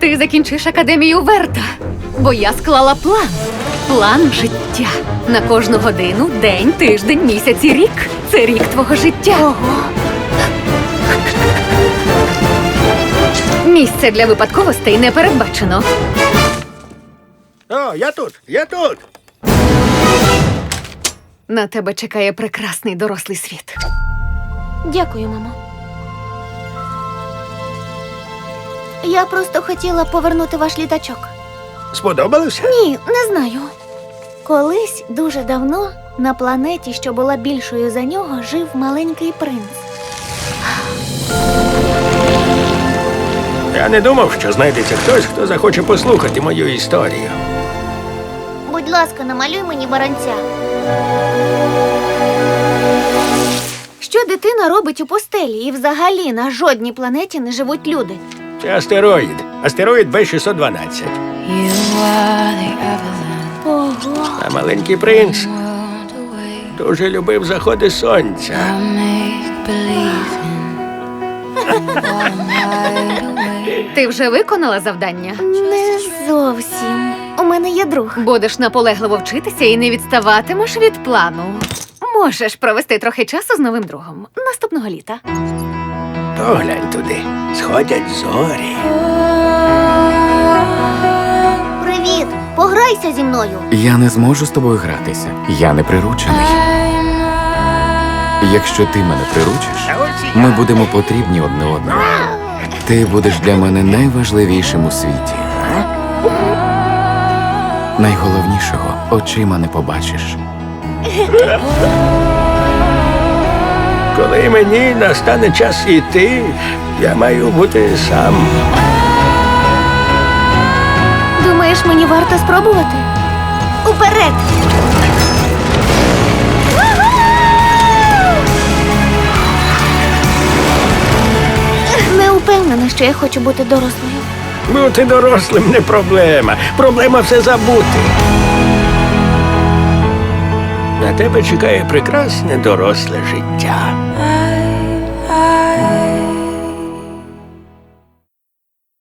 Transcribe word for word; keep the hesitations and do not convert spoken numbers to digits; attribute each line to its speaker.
Speaker 1: Ти закінчиш академію Верта, бо я склала план. План життя. На кожну годину, день, тиждень, місяць і рік. Це рік твого життя. Ого. Місце для випадковостей не передбачено.
Speaker 2: О, я тут, я тут.
Speaker 1: На тебе чекає прекрасний дорослий світ.
Speaker 3: Дякую, мамо. Я просто хотіла повернути ваш літачок.
Speaker 2: Сподобалося?
Speaker 3: Ні, не знаю. Колись, дуже давно, на планеті, що була більшою за нього, жив маленький принц.
Speaker 2: Я не думав, що знайдеться хтось, хто захоче послухати мою історію.
Speaker 3: Будь ласка, намалюй мені баранця. Що дитина робить у пустелі? І взагалі на жодній планеті не живуть люди.
Speaker 2: Це астероїд. Астероїд Б шістсот дванадцять.
Speaker 3: Ого.
Speaker 2: А маленький принц дуже любив заходи сонця.
Speaker 1: Ти вже виконала завдання?
Speaker 3: Не зовсім. У мене є друг.
Speaker 1: Будеш наполегливо вчитися і не відставатимеш від плану. Можеш провести трохи часу з новим другом наступного літа.
Speaker 2: Поглянь туди. Сходять зорі.
Speaker 3: Привіт! Пограйся зі мною.
Speaker 4: Я не зможу з тобою гратися. Я не приручений. Якщо ти мене приручиш, ми будемо потрібні одне одному. Ти будеш для мене найважливішим у світі. Найголовнішого очима не побачиш.
Speaker 2: Коли мені настане час іти, я маю бути сам.
Speaker 3: Думаєш, мені варто спробувати? Уперед! Не упевнена, що я хочу бути дорослою.
Speaker 2: Бути дорослим не проблема. Проблема все забути. На тебе чекає прекрасне доросле життя.